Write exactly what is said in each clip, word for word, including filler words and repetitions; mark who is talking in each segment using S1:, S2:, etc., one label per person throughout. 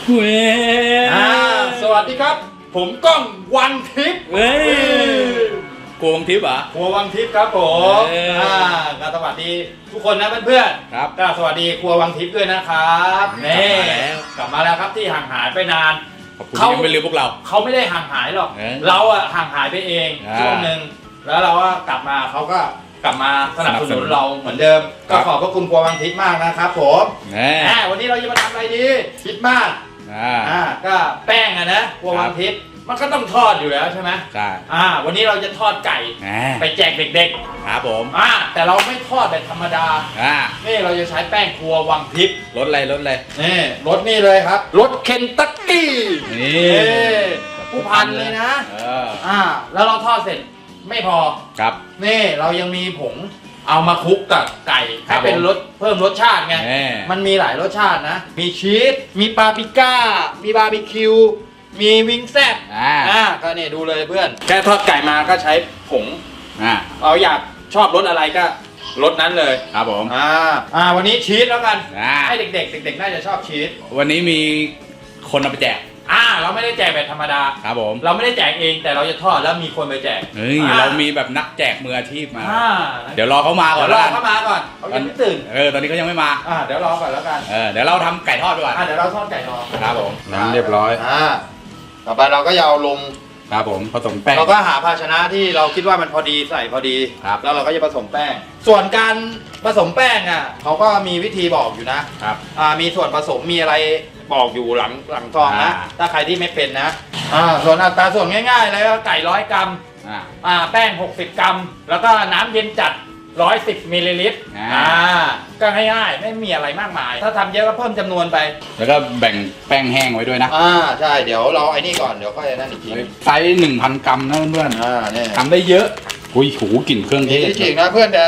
S1: เว้ย
S2: สวัสดีครับผมก้องวังทิพย์
S1: เว้ยกลัววังทิพย์เหรอ
S2: ครัววังทิพย์ครับผมอ่าก็สวัสดีทุกคนนะเพื่อนๆครับก็สวัสดีครัววังทิพย์ด้วยนะครับนี่กลับมาแล้วครับที่ห่างหายไปนาน
S1: เขาไม่ลืมพวกเรา
S2: เขาไม่ได้ห่างหายหรอกเราอะห่างหายไปเองช่วงหนึ่งแล้วเราก็กลับมาเขาก็กลับมาสนับสนุนเราเหมือนเดิมก็ขอบพระคุณครัววังทิพย์มากนะครับผมวันนี้เราจะมาทำอะไรดีคิดมากอ่าก็แป้งอะนะครัววังทิพย์มันก็ต้องทอดอยู่แล้วใช่ไหม
S1: ใช่
S2: อ่าวันนี้เราจะทอดไก่ไปแจกเด็ก
S1: ๆครับผม
S2: อ่าแต่เราไม่ทอดแบบธรรมดาอ่านี่เราจะใช้แป้งครัววังทิพย์
S1: รสอะไรรสอะไร
S2: นี่รสนี่เลยครับรสเคนตักกี้นี่ผู้พันเลยนะอ่าแล้วเราทอดเสร็จไม่พอ
S1: ครับ
S2: นี่เรายังมีผงเอามาคลุกกับไก่ให้เป็นรสเพิ่มรสชาติไงมันมีหลายรสชาตินะมีชีสมีปาปริก้ามีบาร์บีคิวมีวิงแซ่บอ่าก็เนี่ยดูเลยเพื่อนแค่ทอดไก่มาก็ใช้ผงอ่าเราอยากชอบรสอะไรก็รสนั้นเลย
S1: ครับผม
S2: อ่าอ่าวันนี้ชีสแล้วกันให้เด็กๆเด็กๆน่าจะชอบชีส
S1: วันนี้มีคนเอาไปแจก
S2: อ่าเราไม่ได้แจกแบบธรรมดา
S1: ครับผม
S2: เราไม่ได้แจกเองแต่เราจะทอดแล้วมีคนไปแจก
S1: เฮ้ยเรามีแบบนักแจกมืออาชีพมาเดี๋ยวรอเขามาก่อน
S2: รอเขามาก่อนเขายังไม่ตื่น
S1: เออตอนนี้เขายังไม่มา
S2: อ่าเดี๋ยวรอก่อนแล้วกัน
S1: เออเดี๋ยวเราทำไก่ทอดไปก่อน
S2: อ่าเดี๋ยวเราทอดไก่รอ
S1: ครับผม
S2: น้ำเรียบร้อยอ่าต่อไปเราก็จะเอาลง
S1: ครับผมผสมแป้ง
S2: เราก็หาภาชนะที่เราคิดว่ามันพอดีใส่พอดีครับแล้วเราก็จะผสมแป้งส่วนการผสมแป้งอ่ะเขาก็มีวิธีบอกอยู่นะครับอ่ามีส่วนผสมมีอะไรบอกอยู่หลังหลังซองนะถ้าใครที่ไม่เป็นนะอ่าส่วนอัตราส่วนง่ายๆเลยก็ไก่ร้อยกรัมอ่าอ่าแป้งหกสิบกรัมแล้วก็น้ำเย็นจัดร้อยสิบมิลลิลิตรอ่าก็ง่ายๆไม่มีอะไรมากมายถ้าทำเยอะก็เพิ่มจำนวนไป
S1: แล้วก็แบ่งแป้งแห้งไว้ด้วยนะ
S2: อ่าใช่เดี๋ยวเราไอ้นี่ก่อนเดี๋ยวค่อยนั่นอีกที
S1: ไซส์หนึ่งพันกรัมนะเพื่อน
S2: อ่าเนี่ย
S1: ทำได้เยอะอุ้ยหูกลิ่นเครื่องเทศ
S2: จริงนะเพื่อนแต่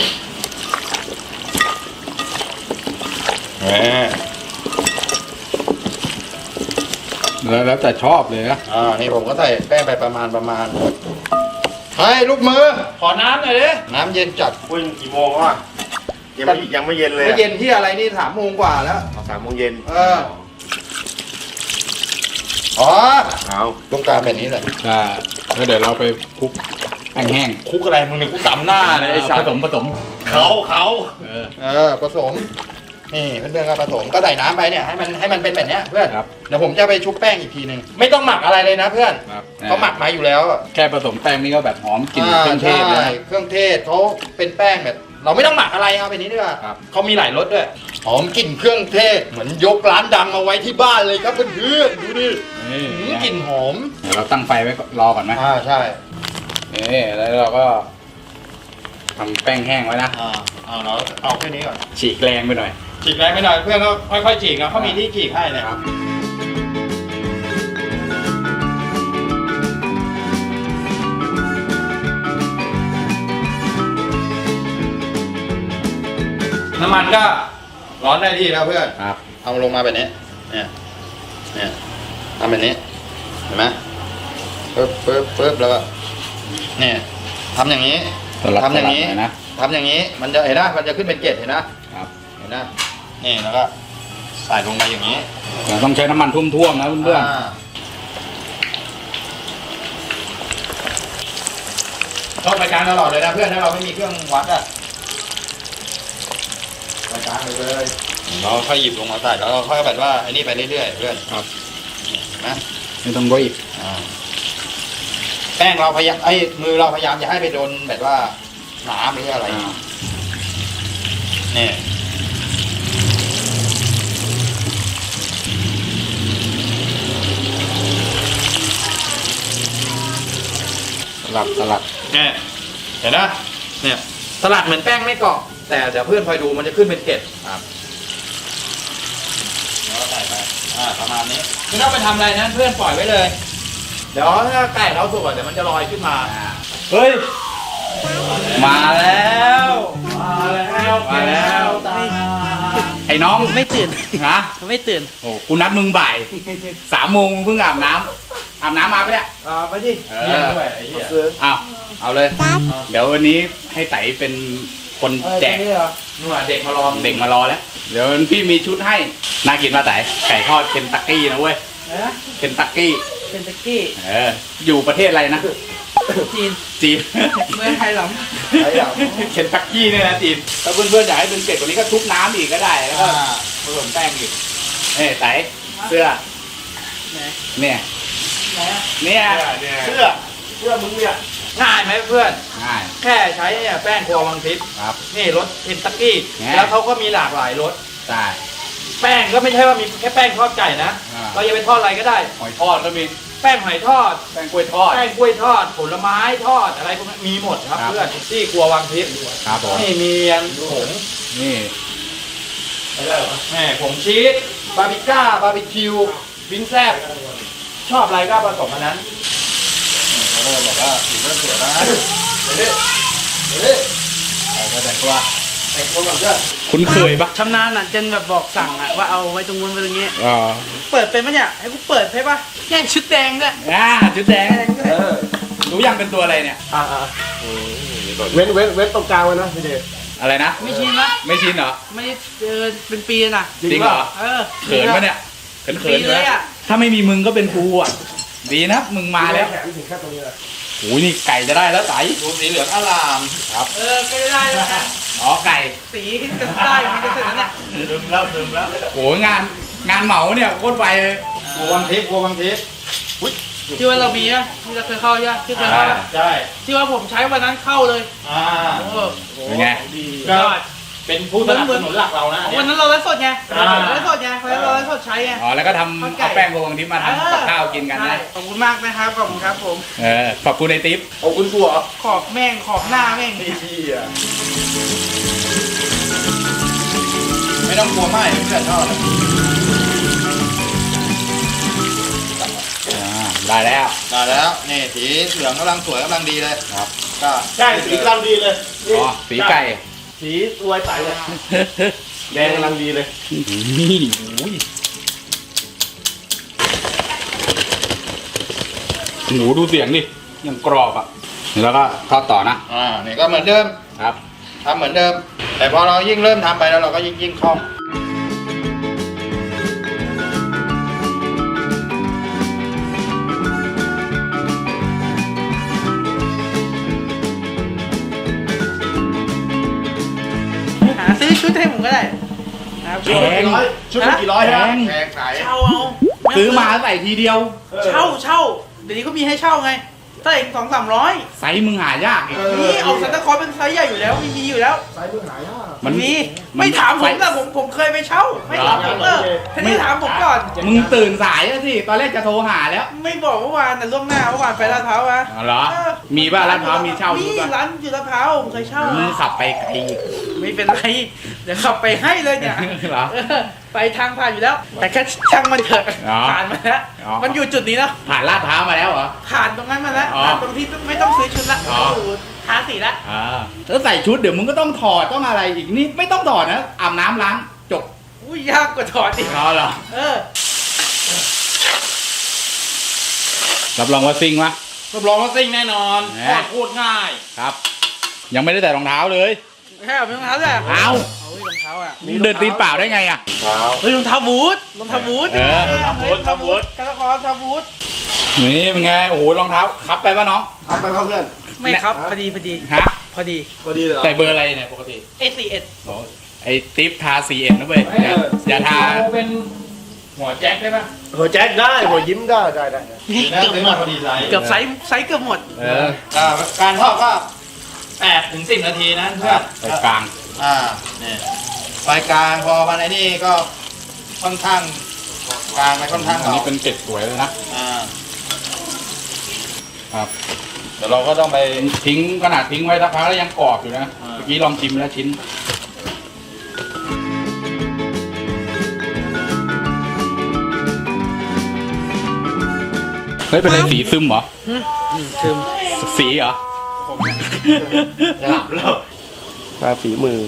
S1: แล้วแล้วแต่ชอบเลยนะ
S2: อ่านี่ผมก็ใส่แป้งไปประมาณประมาณเฮ้ยลูกมือขอน้ำหน่อยดิน้ำเย็นจัด
S3: คุณกี่โมงวะยังไม่ยังไม่เย็นเลย
S2: ไม่เย็นที่อะไรนี่สามโมงกว่าแล้ว
S3: สามโมงเย็น
S2: เอออ๋อเอาลูกตาแบบนี้เลย
S1: ใช่แล้วเดี๋ยวเราไปคลุกแป้งแห้ง
S2: คลุกอะไรมึงเนี่ยคลุกตำหน้าเลยไอ้
S1: ผสมผสม
S2: เขาเขาเออเออผสมนี่เพื่อนๆก็ผสมก็ใส่น้ำไปเนี่ยให้มันให้มันเป็นแบบนี้เพื่อนเดี๋ยวผมจะไปชุบแป้งอีกทีหนึ่งไม่ต้องหมักอะไรเลยนะเพื่อนเขาหมักมาอยู่แล้ว
S1: แค่ผสมแป้งนี่ก็แบบหอมกลิ่นเครื่องเทศเลย
S2: เครื่องเทศเขาเป็นแป้งแบบเราไม่ต้องหมักอะไรเอาไปนี้ดีกว่าเขามีหลายรสด้วยหอมกลิ่นเครื่องเทศเหมือนยกร้านดังมาไว้ที่บ้านเลยครับเพื่อนๆดูดิกลิ่นหอม
S1: เดี๋ยวเราตั้งไฟไว้รอก่อนไหม
S2: อ่าใช่
S1: นี่แล้วเราก็ทำแป้งแห้งไว้นะ
S2: อ่าเอาเราเอาแค่นี้ก่อน
S1: ฉีกแรงไปหน่อย
S2: ฉีกแรงไม่หน่อยเพื่อนก็ค่อยๆฉีกนะเขามีที่ฉีกให้เลยครับน้ำมันก็ร้อนได้ที่แล้วเพื่อน
S1: ครับ
S2: เอาลงมาแบบนี้เนี่ยเนี่ยทำแบบนี้เห็นไหมปึ๊บปึ๊บปึ๊บแล้วก็เนี่ยทำอย่างนี้ทำอย่างนี้นะทำอย่างนี้มันจะเห็นนะมันจะขึ้นเป็นเกล็ดเห็นนะครับเห็นนะนี่แล้วก็ใส่ลงไปอย่างนี้
S1: เราต้องใช้น้ำมันท่วมๆนะเพื่อน
S2: ๆต้องไปการตลอดเลยนะเพื่อนถ้าเราไม่มีเครื่องวัดอะไปการเลยเลยเราค่อยหยิบลงมาใส่แล้วเราค่อยแบบว่าไอ้นี่ไปเรื่อยๆเพื่อน
S1: ครับ
S2: นะ
S1: ไม่ต้องรีบ
S2: แป้งเราพยายามไอ้มือเราพยายามอย่าให้ไปโดนแบบว่าน้ำหรืออะไรนี่
S1: สลัดสลัด
S2: เนี่ยเห็นนะเนี่ยสลัดเหมือนแป้งไม่เกาะแต่เดี๋ยวเพื่อนคอยดูมันจะขึ้นเป็นเกล็ดครับแล้วใส่ไปอ่าประมาณนี้ไม่ต้องไปทำอะไรนะเพื่อนปล่อยไว้เลยเดี๋ยวถ้าไก่เราสุกเดี๋ยวมันจะลอยขึ้นมา
S1: เฮ้ยมาแล้วมา
S2: แล้วมาแล้วตา
S1: ไอ้น้อง
S4: ไม่ตื่น
S1: ฮะ
S4: ไม่ตื่น
S1: โอ้กูนัดมึงบ่ายสามโมงเพิ่งอาบน้ำอาบน้ำมาไปเนี่ย
S2: อ่าไปดิ
S1: เออด้วยไอ้เหี้ยเอาเอาเลยเดี๋ยววันนี้ให้ไต่เป็นคนแจก
S2: นู่นเด็กมารอ
S1: เด็กมารอแล้ว เดี๋ยวพี่มีชุดให้ น่ากินมาแต่ไก่ทอดเคนตักกี้นะเว้ย เคนตักกี้
S4: เป็นตะกี้
S1: เออ อยู่ประเทศอะไรนะ
S4: จีน
S1: จีน
S4: เมืองไทยหรอ
S1: เคนตักกี้เนี่ยนะจีน ถ้าเพื่อนๆอยากให้เป็นเกล็ดกว่านี้ก็ทุบน้ำอีกก็ได้ แล้วก็ผสมแป้งอีกเอ้ยไตเสื้อ
S4: ไหน
S1: เนี่ย
S4: ไหนอะ
S1: เนี่ย
S3: เสื้อเสื้อมึงเนี่ย
S2: ง่ายไหมเพื่อน
S1: ง่าย
S2: แค่ใช้เนี่ยแป้งครัววังทิพย์
S1: ครับ
S2: นี่รสเคนตักกี้
S1: แหม
S2: แล้วเขาก็มีหลากหลายรส
S1: ใช่
S2: แป้งก็ไม่ใช่ว่ามีแค่แป้งทอดไก่นะ
S1: อ่า
S2: เราจะไปทอดอะไรก็ได้
S1: หอยทอดก็มี
S2: แป้งหอยทอด
S1: แป้งกล้วยทอด
S2: แป้งกล้วยทอด ผลไม้ทอดอะไรพวกนี้มีหมดครับ
S1: ครับ
S2: เพื่อนที่ครัววังทิพย์
S1: ครับผม
S2: นี่มีอันผง
S1: นี่
S2: แหม่ผงชีสบาร์บีก้าบาร์บีคิววินแซบชอบอะไรก็ผสมอันนั้นเขาเลยบอกว่าถือว่าสวยนะเฮ้ยเฮ้ยแต่งตัวแต่งตัวก่อนเพื่อน
S1: คุ้นเคยปะ
S4: ชำนาญอ่ะจนแบบบอกสั่งอ่ะว่าเอาไว้ตรงนู้นไว้ตรงนี้
S1: อ๋อ
S4: เปิดเป็นปะเนี่ยให้กูเปิดให้ปะแย่งชุดแดงด้วย
S1: อ่าชุดแดง
S4: แดงด้วย
S3: เออ
S1: รู้ยังเป็นตัวอะไรเนี่ย
S3: อ่าอ่าเว้นเว้นเว้นตรงกลางไว้นะพี่เดช
S1: อะไรนะ
S4: ไม่ชินปะ
S1: ไม่ชินเหรอ
S4: ไม่ได้เจอเป็นปีนะ
S1: จริงเหรอ
S4: เออ
S1: เขินปะเนี่ยเขินเขิ
S4: ปี
S1: น
S4: เลยอ่ะ
S1: ถ้าไม่มีมึงก็เป็นกูอ่ะ ดีนะมึงมาแล้ว
S3: แขนถึงแค่ตรงนี้เลย
S1: โอ้ยนี่ไก่จะได้แล้วไต
S2: ดูสีเหลืองอลาม
S4: เออก็ได้แล้วนะ
S1: อ๋อไก่
S4: สีก็ได้มันจะเสร็จแล้วเนี่ย
S2: ดึมแล้วดึมแล้ว
S1: โอ้ยงานงานเหมาเนี่ยโคตรไวเลย
S2: ครัววังทิพย์ครัววังทิพย์
S4: ที่ว่าเรามีอ่ะที่เราเคยเข้าใช่ไหมที่เคยเข้า
S1: อ่า
S2: ใช่
S4: ที่ว่าผมใช้วันนั้นเข้าเลย
S2: อ่า
S4: โอ้โห
S1: เป็นไง
S4: ยอด
S2: เป็นผู้สนับสนุนหลักเรานะอัน
S4: วัน
S2: เนี้ย
S4: นั้นเราไลฟ์สดไง
S2: อ่า
S4: ไลฟ์สดไงวันนั้นเราไลฟ์สดใช้ไง
S1: อ๋อแล้วก็ทำเอาแป้งโกงทิพย์มาทำกับข้าวกินกัน
S4: ใช่
S1: นะ
S4: ขอบคุณมากนะครับขอบคุณครับผม
S1: เออขอบคุณในทิป
S3: เอาคุณกูเหรอ
S4: ขอบแม่งขอบหน้าแม่ง
S3: ไอ้เหี้ย
S2: ไม่ต้องกลัวไหมเพื่อนทอด
S1: อ่าได้แล้ว
S2: ได้แล้วนี่สีเหลืองกำลังสวยกำลังดีเลย
S1: ครับ
S2: ก็
S3: ใช่สีกำลังดีเลย
S1: อ๋อสีไก่
S3: สีสวยใสเลยแดงกำลังดีเลย
S1: นี่โอ้ยหนูดูเสียงดิยังกรอบอ่ะแล้วก็ทอดต่อนะ
S2: อ่านี่ก็เหมือนเดิม
S1: ครับ
S2: ทำเหมือนเดิม แต่พอเรายิ่งเริ่มทำไปแล้วเราก็ยิ่งยิ่งคล่อง
S4: หาซื้อชุดให้ผมก็ได้นะครับ
S1: แพง
S3: ร้อยชุดละกี่ร้อย
S1: แพ
S3: ฮะ
S1: ง
S2: แพงขาย
S4: เช่าเอา
S1: ซื้อมาใส่ทีเดียว
S4: เช่าเช่าเดี๋ยวนี้ก็มีให้เช่าไงเท่าไหร่สองสามร้อย
S1: ไซส์มึงหายากอีก
S4: นี่เอาซันตาคลอสเป็นไซส์ใหญ่อยู่แล้วมีมีอยู่แล้ว
S3: สายมือหายาก
S1: มัน
S4: มี
S1: มัน
S4: ไม่ถามผม
S1: ไซ
S4: นะ
S1: ส์
S4: ผมผมเคยไปเช่า ไม่ถามผมเออทีนี้ถามผมก่อน
S1: มึงตื่นสายแล้วสิ ตอนแรกจะโทรหาแล้ว
S4: ไม่บอกเมื่อวานแต่ล่วงหน้าเมื่อวานไปลาดพร้าวมา
S1: อ๋อเหรอ มีป่ะร้านพร้าวมีเช่า
S4: มี
S1: ชุดป่ะ
S4: ร้านอยู่ลาดพร้าวผมเคยเช่า
S1: มึง
S4: มา
S1: ขับไปไกลอีก
S4: ไม่เป็นไร เดี๋ยวขับไปให้เลยเนี่ย
S1: เหรอ
S4: เออไปทางผ่านอยู่แล้ว แต่แค่ช่างมันเถอะ
S1: อ๋อ
S4: ผ่านมาแล้ว
S1: อ๋อ
S4: มันอยู่จุดนี้แล้ว
S1: ผ่านลาดพร้าวมาแล้วเหรอ
S4: ผ่านตรงนั้นมาแล้ว
S1: อ๋อ
S4: ผ่านตรงที่ไม่ต้องซื้อชุดละ
S1: อ๋อ
S4: อยู่ทาสีละ
S1: อ่าแล้วใส่ชุดเดี๋ยวมึงก็ต้องถอดต้องอะไรอีกนี่ไม่ต้องถอดนะอาบน้ำล้างจบ
S4: อุ้ยยากกว่าถอดอีก
S1: รอเหรอ
S4: เออ
S1: รับรองว่าซิงวะ
S2: รับรองว่าซิ่งแน่นอน
S1: แหม
S2: ทอดโคตรง่าย
S1: ครับ ยังไม่ได้ใส่รองเท้าเลย
S4: แค่เอารองเท้าแหละ
S1: เอา
S4: เอารองเท้าอ่ะ
S1: เดินตีนเปล่าได้ไงอ่ะ
S3: เท้า
S4: เฮ้ยรองเท้าบูทรองเท้าบูท
S1: เออ
S4: รองเท้าบูทรองเท้าบูทกระคอรองเท้าบูท
S1: นี่เป็นไงโอ้โหรองเท้าคับไปป่ะน้อง
S3: เอาไปครับเพื่อน
S4: ไม่ครับพอดีพอดี
S1: ฮะ
S4: พอดี
S3: พอดีเลยเหรอ
S1: ใส่เบอร์อะไรเนี่ยปกติ
S4: เอสซีเอส
S1: โอ้ไอ้ติ๊บทาสีเอ็นนะเว้ยอย่าอย่าทา
S2: เป็นหัวแจ็คได้ปะ
S3: หัวแจ็คได้หัวยิ้มได้ได้ได้
S2: ดีนะซื้อมาพอดีไซส์
S4: เกือบไซส์ไซส์เกือบหมด
S1: เออ
S2: อ่าการทอดก็แปดถึงสิบนาทีนะเพื่อน
S1: ไปกลาง
S2: อ่าเนี่ยไฟกลางพอมาในนี่ก็ค่อนข้างกลางไปค่อนข้าง
S1: อัน
S2: เบา
S1: นี้เป็นเป็ดสวยเลยนะ
S2: อ่า
S1: ครับ
S2: เดี๋ยวเราก็ต้องไป
S1: ทิ้งขนาดทิ้งไว้สักพักแล้วยังกรอบอยู่นะ
S2: อ่า
S1: เมื่อกี้ลองชิมแล้วชิ้นเฮ้ยเป็นอะไรสีซึมเหรอ
S4: ถึง
S1: สีเหรอ
S2: หลับแล้ว
S3: ตาฝีมือ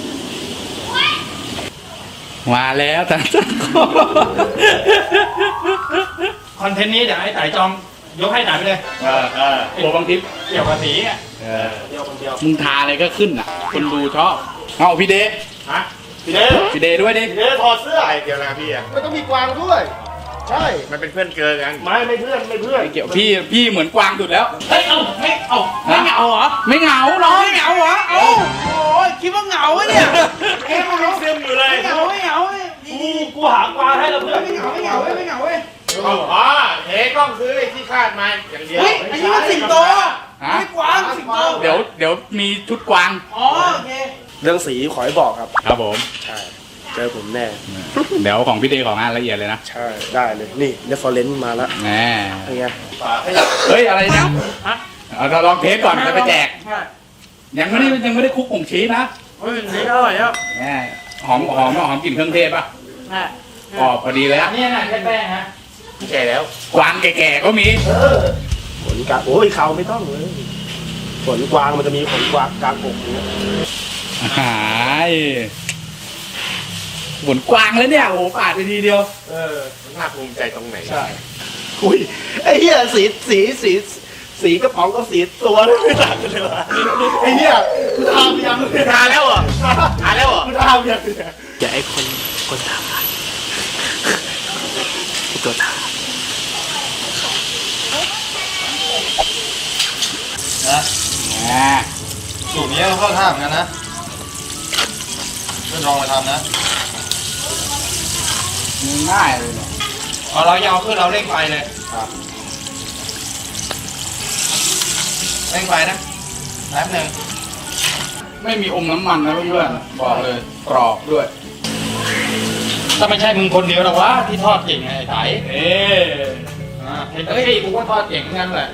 S1: มาแล้ว แต่
S2: คอนเทนต์นี้เดี๋ยวให้ไต่จองยกให้ไหนไปเลย
S1: เออเออโบบางทิพย์
S2: เกี่ยวกับสีอ่ะ
S1: เออ
S3: เดียวคนเดียว
S1: มึงทาอะไรก็ขึ้นอ่ะ คนดูชอบเอาพี่เดย์
S3: ฮะพี่เด้
S1: พี่เดย์ด้วยดิ
S3: พี่เด้ถอดเสื้อ
S5: เกี่ยวนะพี่อ่ะมันต้องมีกวางด้วย ใช่ มันเป็นเพื่อนเกินกัน
S3: ไม่ไม่เพื่อนไม่เพื่อน
S1: ไม่เกี่ยวพี่พี่เหมือนกวางสุดแล้ว
S4: เฮ้ย เอาไม่เอาไม่เหงาเหรอ
S1: ไม่เหงาน้อง
S4: ไม่เหงาเหรอ เอาโอ้ยคิดว่าเหงาอะเนี่ย
S3: เอ๊ะมันยังซึมอยู่เลย
S4: ไม่เหงาไม่เหงาเว้ย
S3: กูกูหากวางให้แล้วเพื่อน
S4: ไม่เหงาไม่เหงาเว้ยไม่เหงาเว้ย
S5: อ๋อเทกล้องซื้อไอ้ที่คาดมาอย่างเดียว
S4: เฮ้ย อันนี้มันสิงโต
S1: ฮะ
S4: ไม่กวางสิงโต
S1: เดี๋ยวเดี๋ยวมีชุดกวาง
S4: อ๋อโอเค
S3: เรื่องสีขอให้บอกครับ
S1: ครับผม
S3: ใช่ เจอผมแน่
S1: เดี๋ยวของพี่เดย์ของงานละเอียดเลยนะ
S3: ใช่ ได้เลย นี่เรฟเฟอเรนซ์มาแล้ว
S1: แน่
S3: เป็นไง
S1: เฮ้ยอะไรเนี่ย
S4: ฮะ
S1: เอาเราลองเทสก่อนจะไปแจก
S4: ใช่
S1: ยังไม่ได้ยังไม่ได้คลุกผงชีสนะ
S4: เฮ้ยนี่อร่อยครับ
S1: แน่หอมหอมหอมกลิ่นเครื่องเทศป่ะ
S4: ใช่
S1: อ๋อพอดีเลย
S2: อั
S1: อะ
S2: นนี้น่ะแค่แป้งฮะ
S5: แก่แล้ว
S1: กวางแก่ๆก็มี
S3: ขนกลางโอ้ยเขาไม่ต้องเลย ขนกวางมันจะมีขนกวางกลางอกอย่างเงี้ย
S1: หายหมุนกวางแล้วเนี่ยโอ้โหปาดไปทีเดียว
S3: เออ
S5: มันน่าภูมิใจตรงไหน
S3: ใช่ อุ้ย ไอ้เหี้ยสีสีสีสีกระป๋องกับสีตัวไม่ต่างกันเลยวะไอ้เหี้ยกูทำยัง
S5: ทาแล้วเหรอทาแล้วเหรอ
S3: กูทำยังอย่าไอ้คนคนทำไอ้ตัวทำ
S2: นะ
S1: แหม
S2: สูตรนี้เราเข้าท่าเหมือนกันนะเพื่อนลองมาทำนะ
S1: ง่ายเลยเนี่ย
S2: เอาเรายาวขึ้นเราเร่งไฟเลยเร่งไฟนะแป๊บหนึ่ง
S1: ไม่มีอมน้ำมันนะเพื่อนๆบอกเลยกรอบด้วย
S2: ถ้าไม่ใช่มึงคนเดียวหรอกวะที่ทอดเก่งไงไอ้ไถ
S1: เอ๊ะ
S2: อ่าเห็นเอ้ยกูก็ทอดเก่งเหมือนกันแหละ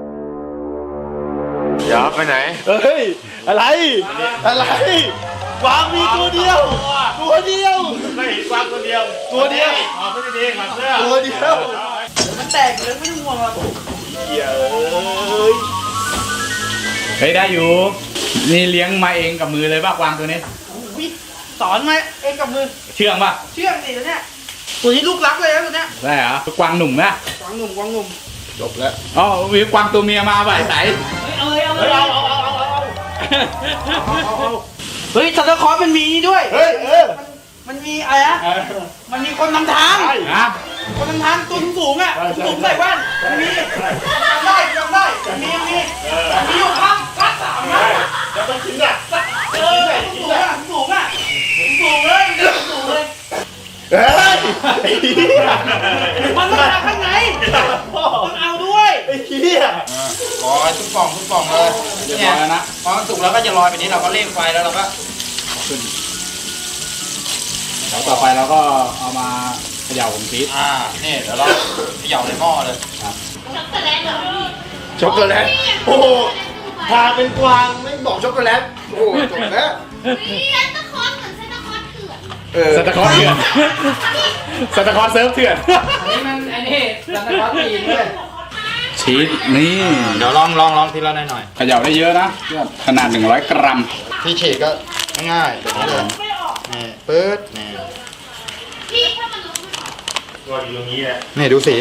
S5: เดี๋ยวไปไหน
S3: เฮ้ย อะไร อะไรกวางมีตัวเดียว ตัวเดียว
S5: ไม่เห็นกวางตัวเดียว
S3: ตัวเดียว
S5: อ๋อไม่ได้ดีขอเสื้อ
S3: ตัวเดียว
S4: มันแตกเลยไม่ต้องห่วงหรอก
S3: เหี้ยเอ้ย
S1: เฮ้ยได้อยู่ นี่เลี้ยงมาเองกับมือเลยป่ะกวางตัวนี้
S4: อุ๊ยสอนมาเองกับมือ
S1: เชื่องป่ะ
S4: เชื่องดิตัวเนี้ยตัวนี้ลูกรักเลยนะตัวเนี้ย
S1: ได้เหรอกวางหนุ่มนะ
S4: กวางหนุ่มกวางหนุ่ม
S5: จบแล้ว
S1: อ๋อมีกวางตัวเมียมาป่ะไอ้ไส
S4: เอ้ยเอาเลยเอาเล
S3: เฮ้ย
S4: ย
S3: เอาเอาเอาเอาเอา
S4: เฮ้ยซันตาคลอสมันมีนี่ด้วย
S3: เฮ้ยเออ
S4: มันมีอะไรนะมันมีคนนำทาง
S1: ฮะ
S4: คนนำทางตัวสูงๆอ่ะสูงใส่แว่นมันมีจำได้จำได้มันมีมันมีมีอยู่ข้างข้างสามนะ
S3: จะต้องกินอ่ะ
S4: เออสูงอ่ะสูงอ่ะสูงเลยสูงเลย
S3: เฮ้ยไอ้เหี้ย
S4: มันต้องทำข้างในต้องเอาด้วย
S3: ไอ้เหี้ย
S2: รอทุกป่องทุกป่องเลย
S1: เรียบ
S2: เนี่
S1: ร้
S2: ย
S1: อยแล้วนะ
S2: พอมันสุกแล้วก็จะลอยไปนี้เราก็เร่งไฟแล้วเราก็
S1: แล้วต่อไปเราก็เอามาเขย่าผงชีส
S2: อ่านี่เดี๋ยวเราเขย่าในหม้อเลย
S5: ช็อกโกแลต
S3: โอ้โหพาเป็นกวางไม่บอกช็อกโกแลต โอ้โหจบแล้ว
S6: นี่ซานตาคลอสเหมือนซานตาคลอสเถื่อน
S5: เออ
S1: สตาคอร์เถื่อนสตาคอร์เซิร์ฟเถื่อน
S2: อันนี้มันอันนี้ซันตาคลอสตีนด้วย
S1: ชีสนี่
S2: เดี๋ยวลองลองลองทีละหน่อยหน่อย
S1: เขย่าได้เยอะนะเพื่อนขนาดหนึ่งร้อยกรัม
S2: ที่ฉีกก็ง่ายๆแบบนี้เลยนี่ปื๊ดนี่
S6: พี่ถ้ามันรู้มัน
S3: ตัวอยู่ตรงนี้แหละ
S2: นี่ดูสี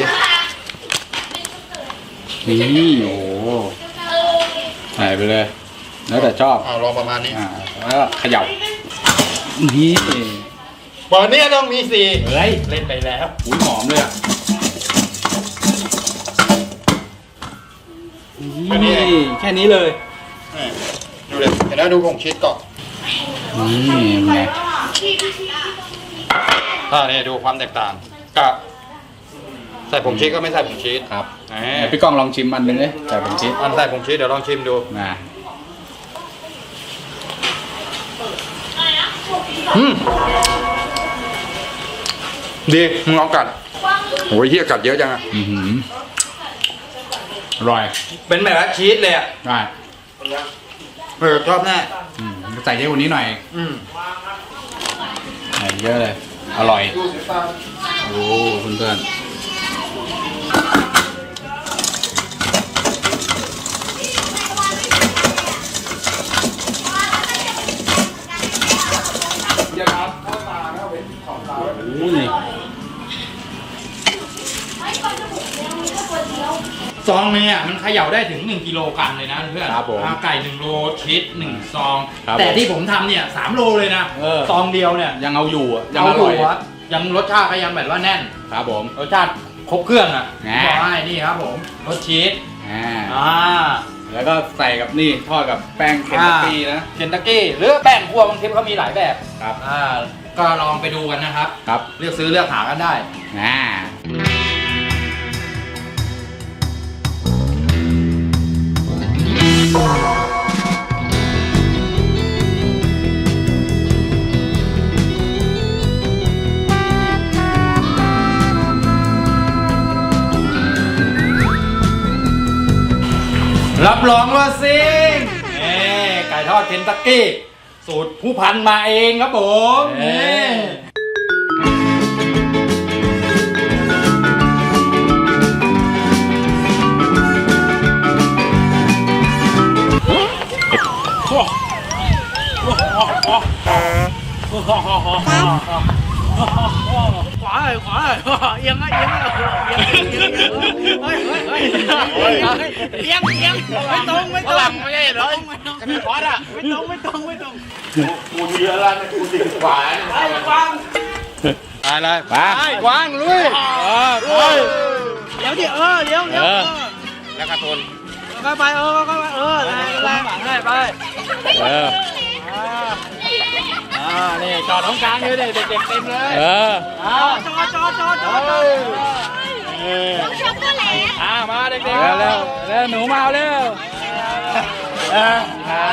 S1: นี่โอ้โหใส่ไปเลย แล้วแต่ชอบ
S2: เอาลองประมาณนี้
S1: อ่าแล้วก็เขย่านี่
S2: บอลนี้ต้องมีสี
S1: เฮ้ย
S2: เล่นไปแล้ว
S1: อุ้ยหอมเลยอ่ะ
S2: แค่นี้
S1: นี่
S2: เอง
S1: แค่นี้เลย
S2: นี่ดูเลยเห็นไหมดูผงชีสก่อน
S1: นี่ไง
S6: พี่พี่พี่
S2: อ่านี่ดูความแตกต่างกับใส่ผงชีสก็ไม่ใส่ผงชีส
S1: ครับ
S2: แหม
S1: เดี๋ยวพี่ก้องลองชิมอันหนึงเลยใส่ผงชีส
S2: อันใส่ผงชีสเดี๋ยวลองชิมดู
S1: นะ
S2: อืมดีมึงลองกัดโอ้ยเฮียกัดเยอะจังอะ
S1: อือหืออร่อย
S2: เป็นแบบว่าชีสเลยอะ
S1: ได้
S2: เออชอบแน่
S1: อืมใส่เยอะกว่านี้หน่อย
S2: อืม
S1: ใส่เยอะเลย อร่อย โอ้เพื่อนๆโอ้นี่
S2: ซองเนี่ยมันเขย่าได้ถึงหนึ่งกิโลกรัมเลยนะเพื่อน
S1: ครับผม
S2: อ่าไก่หนึ่งโลชีสหนึ่งซอง
S1: ครับ
S2: แต่
S1: ผม
S2: ที่ผมทำเนี่ยสามโลเลยนะ
S1: เออ
S2: ซองเดียวเนี่ย
S1: ยังเอาอยู่อะยัง
S2: เอา
S1: อ
S2: อ
S1: ร่อย
S2: ยู่ครับยังรสชาติก็ยังแบบว่าแน่น
S1: ครับผม
S2: รสชาติครบเครื่องอ่ะ
S1: แหม
S2: บอกให้นี่ครับผมรสชีส
S1: อ่า
S2: อ่า
S1: แล้วก็ใส่กับนี่ทอดกับแป้งเคนตักกี้นะ
S2: เคนตักกี้หรือแป้งคั่วบางทีเขามีหลายแบบ
S1: ครับ
S2: อ่าก็ลองไปดูกันนะครับ
S1: ครับ
S2: เลือกซื้อเลือกหากันได้
S1: อ่า
S2: รับรองว่าซิงเอ้ไก่ทอดเคนตักกี้ สูตรผู้พันมาเองครับผม
S1: เอ้
S2: นี่
S4: ขวาเลยขวาเลยเอียงเอียงเอียงเอียงเอียงเฮ้ยเฮ้ยเฮ้ยเอียงเอียงไม่ตรงไม่ตรงไม่ใช่เหรอไม่ขวาอ่ะไม่ตรงไม่ตรงไม่ตรง
S3: กูเยอะแล้วนะกูติดขวา
S4: ไอ้กวาง
S1: ไปเลยไปวางลุยเออไป
S4: เดี๋ยวดิเออเดี๋ยวเดี๋ยว
S1: แล้วกระตุน
S4: ก็ไปเออก็ไปเออแรงแรงให้ไป
S1: เออ
S2: อ่านี่จอดตรงกลางเลยเด็กๆเต็มเลย
S1: เออ
S4: จอจอจอจอจอ
S6: น้องช็อกโกแลต
S2: อ่ามาเด็ก
S1: เร็วเร็วเร็วหนูมาเอาเร็วเออ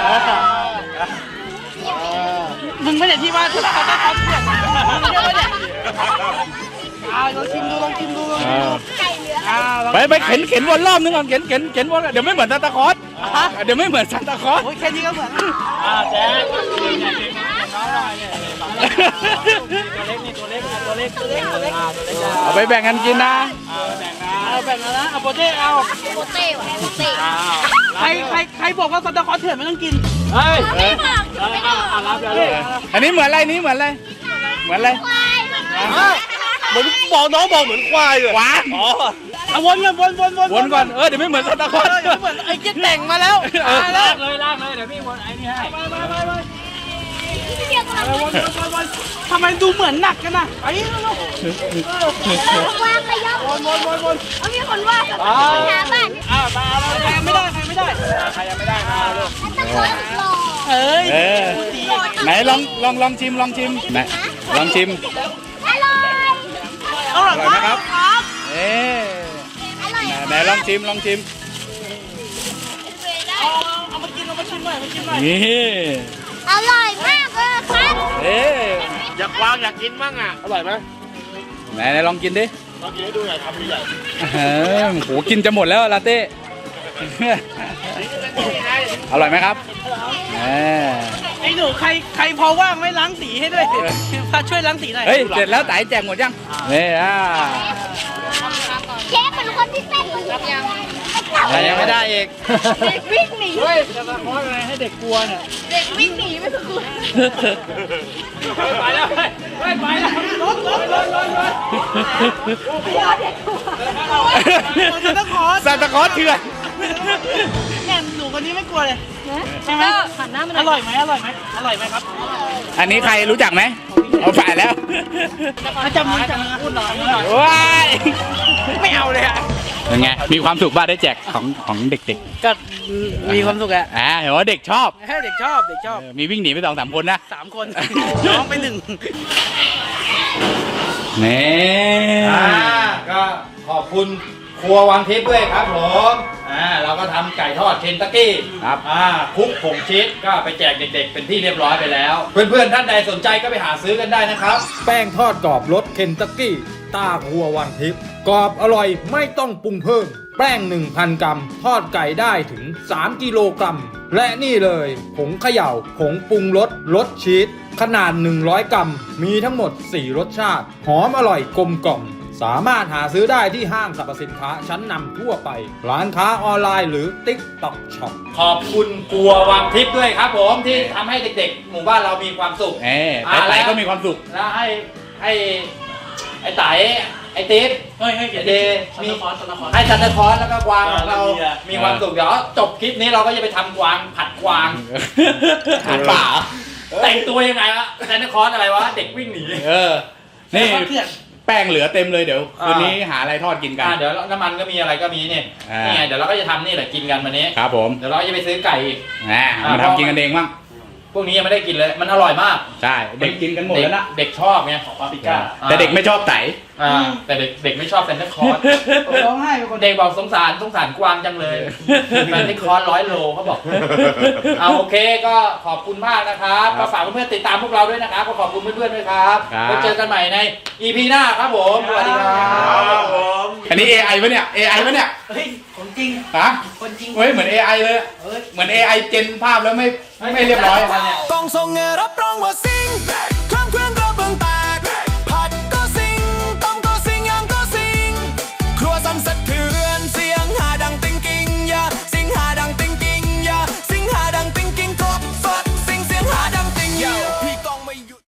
S4: มึงไม่ได้ที่ว่าทุกคนต้องทำเสียงมึงไม่ได้อ่าลองชิมดูลองชิมดูลองชิมดู
S6: ไก่เหลือง
S4: อ่าลอง
S1: ไปไปเข็นเข็นวนรอบนึงก่อนเข็นเข็นเข็นวนเดี๋ยวไม่เหมือนซานตาคลอสเดี๋ยวไม่เหมือนซานตาคลอส
S4: โอ้ยแค่นี้ก็เหมือน
S2: อ่าแจ๊ค
S4: ตัวเล็กนี่ตัวเล็กตัวเล็กตัวเล็กตัวเล็ก
S1: เอาไปแบ่งกันกินนะ
S4: เอาแบ่งแล้วนะเอาโปเต้เอา
S6: โปเต้ว่ะโปเต้
S4: ใครใครใครบอกว่าซันตาคลอสเถื่อนไม่ต้องกิน
S2: เฮ้ย
S6: ไม่บอกไม่บอก
S4: รับแล้ว
S1: อันนี้เหมือนอะไรนี้เหมือนอะไรเหมือนอะไร
S6: ควาย
S3: เหมือนบอกน้องบอกเหมือนควายเลย
S1: หวาน
S3: อ๋อ
S4: เอาวนกันวนวนวน
S1: วนก่อนเออเดี๋ยวไม่เหมือนซานตาคลอส
S4: เหมือนไอ้เจ๊แต่งมาแล้ว
S1: เออ
S2: ลากเลยลากเลยเดี๋ยวพี่วนไอ้นี่ให้
S4: ไปไปไปไป
S6: เดียวกัน
S4: วนวนวนทำไมดูเหมือนหนักกันนะไปลูก
S6: วางไปย่อ
S4: วนวนวนวน
S6: เอามีคนว่าหาบ้าน
S4: อ่าตาเราใครไม่ได้ใครไม่ได้ใครยังไม่ได้มาลูก
S6: ตะโกนหล่อ
S4: เอ้ย
S1: เออไหนลองลองลองชิมลองชิมไหนลองชิม
S6: อร่อย
S4: อร่อย
S1: อร่อยไหมครับ
S6: ครับ
S1: เอ๊ะ
S6: อร่อย
S1: ไหนลองชิมลองชิม
S4: เอาเอามากินเอามาชิมหน่อยมาชิมหน่อย
S1: นี่
S6: อร่อยมากเลยครับ
S1: เอ๊ะ
S3: อยากวางอยากกินมั่งอ่ะ อร่อยไหม
S1: ไหนไหนลองกินดิ
S3: ลองกินให้ดูหน่อยทำดีใหญ่
S1: เออโหกินจะหมดแล้วลาเต้ อร่อยไหมครับเออ
S4: ไอ้หนูใครใครพอว่างไม่ล้างสีให้ด้วยพาช่วยล้างสีหน่อย
S1: เฮ้ยเสร็จแล้วไต่แจกหมดยังนี่อ่า
S6: เชฟเป็นคนที่เต้นคนยัง
S1: แต่ยังไม่ได้อีก
S6: เด็กวิ่งหนี
S2: เฮ้ยจะมาคอยอะไรให้เด็กกลัวเนี่ย
S6: เด็กวิ่งหนีไม่ถูก
S2: ไปแล้วไปไปแล้วรถรถรถรถรถ
S4: ซันตาคลอส
S1: ซานตาคลอสเถื่อน
S4: แหม่หนูคนนี้ไม่กลัวเลยใช่ไหมหันหน้ามันอร่อยไหมอร่อยไหมอร่อยไหมครับ
S1: อันนี้ใครรู้จักไหมเอาฝ่ายแล้ว
S4: จำมือจำมือพูดหน่อยพูดหน่อย
S1: ว้าย
S4: ไม่เอาเลยอะ
S1: เป็นไงมีความสุขบ้างได้แจกของของเด็ก
S4: ก็มีความสุขอะ
S1: ๆอ่าเห็นว่าเด็กชอบ
S4: เด็กชอบเด็กชอบ
S1: เออมีวิ่งหนีไปสองสามคนนะ
S4: สามคนน้องไปหนึ่ง
S1: นี่
S2: อ่าก็ขอบคุณครัววังทิพย์ด้วยครับผมอ่าเราก็ทำไก่ทอดเคนตักกี้
S1: ครับ
S2: อ่าคลุกผงชีสก็ไปแจกเด็กๆ เป็นที่เรียบร้อยไปแล้ว เพื่อนๆท่านใดสนใจก็ไปหาซื้อกันได้นะครับ
S7: แป้งทอดกรอบรสเคนตักกี้ตาครัววังทิพย์กรอบอร่อยไม่ต้องปรุงเพิ่ม แป้ง หนึ่งพัน กรัม ทอดไก่ได้ถึง สาม กิโลกรัม และนี่เลยผงเขย่าผงปรุงรสรสชีสขนาด หนึ่งร้อย กรัม มีทั้งหมด สี่ รสชาติ หอมอร่อยกลมกล่อม สามารถหาซื้อได้ที่ห้างสรรพสินค้าชั้นนำทั่วไป ร้านค้าออนไลน์หรือ TikTok Shop
S2: ขอบคุณครัววังทิพย์ด้วยครับผมที่ทำให้เด็กๆ หมู่บ้านเรามีความสุข
S1: เอ้แต่ไต่ก็มีความสุข
S2: แล้วให้ให้ไอ้ไต่ไอ้ติ๊บ
S4: เฮ้ยให้เขียน
S2: เด
S4: มี
S2: มี
S4: คอนสนาคอน
S2: ให้ซันตาคลอสแล้วก็กวางของเรา
S4: เออแล้วมีอะ
S2: มีความสุขเดี๋ยวจบคลิปนี้เราก็จะไปทำกวางผัดกวาง
S1: หันป่า
S2: แต่งตัวยังไงวะซันตาคลอสอะไรวะเด็กวิ่งหนี
S1: เออ นี่
S4: เครียด
S1: แป้งเหลือเต็มเลยเดี๋ยว
S2: อ่า
S1: คืนนี้หาอะไรทอดกินกัน
S2: อ่าเดี๋ยวน้ำมันก็มีอะไรก็มีนี่
S1: อ่านี่
S2: นี่ไงเดี๋ยวเราก็จะทำนี่แหละกินกันวันนี้
S1: ครับผม
S2: เดี๋ยวเราก็จะไปซื้อไก่อีก
S1: อ่ามาทำกินกันเองมั้ง
S2: พวกนี้ยังไม่ได้กินเลยมันอร่อยมาก
S1: ใช่เด็กกินกันหมดแล้วนะ
S2: เด็กชอบไง
S4: ปาปริก้า
S1: แต่เด็กไม่ชอบไต
S2: อ่าแต่เด็กเด็กไม่ชอบแซนต้าคลอส
S4: ร้องไห้เป็นคน
S2: เด็กบอกสงสารสงสารกวางจังเลยแซนต้าคลอสร้อยโลเขาบอกเอาโอเคก็ขอบคุณมากนะครับก็ฝากเพื่อนๆติดตามพวกเราด้วยนะครับก็ขอบคุณเพื่อนๆด้วยครับ
S1: ครับ
S2: ไว้เจอกันใหม่ใน อี พี หน้าครับผมสวัสดีครับ
S1: อันนี้ เอ ไอ ปะเนี่ย เอ ไอ ปะเนี่ย
S4: เฮ้ยของจริง
S1: ฮะ
S4: คนจริง
S1: เฮ้ยเหมือน เอ ไอ เลย เหมือน เอ ไอ เจนภาพแล้วไม่ไม่เรียบร้อย
S2: เนี่ย
S8: กองทรงเงรับรองว่าซิง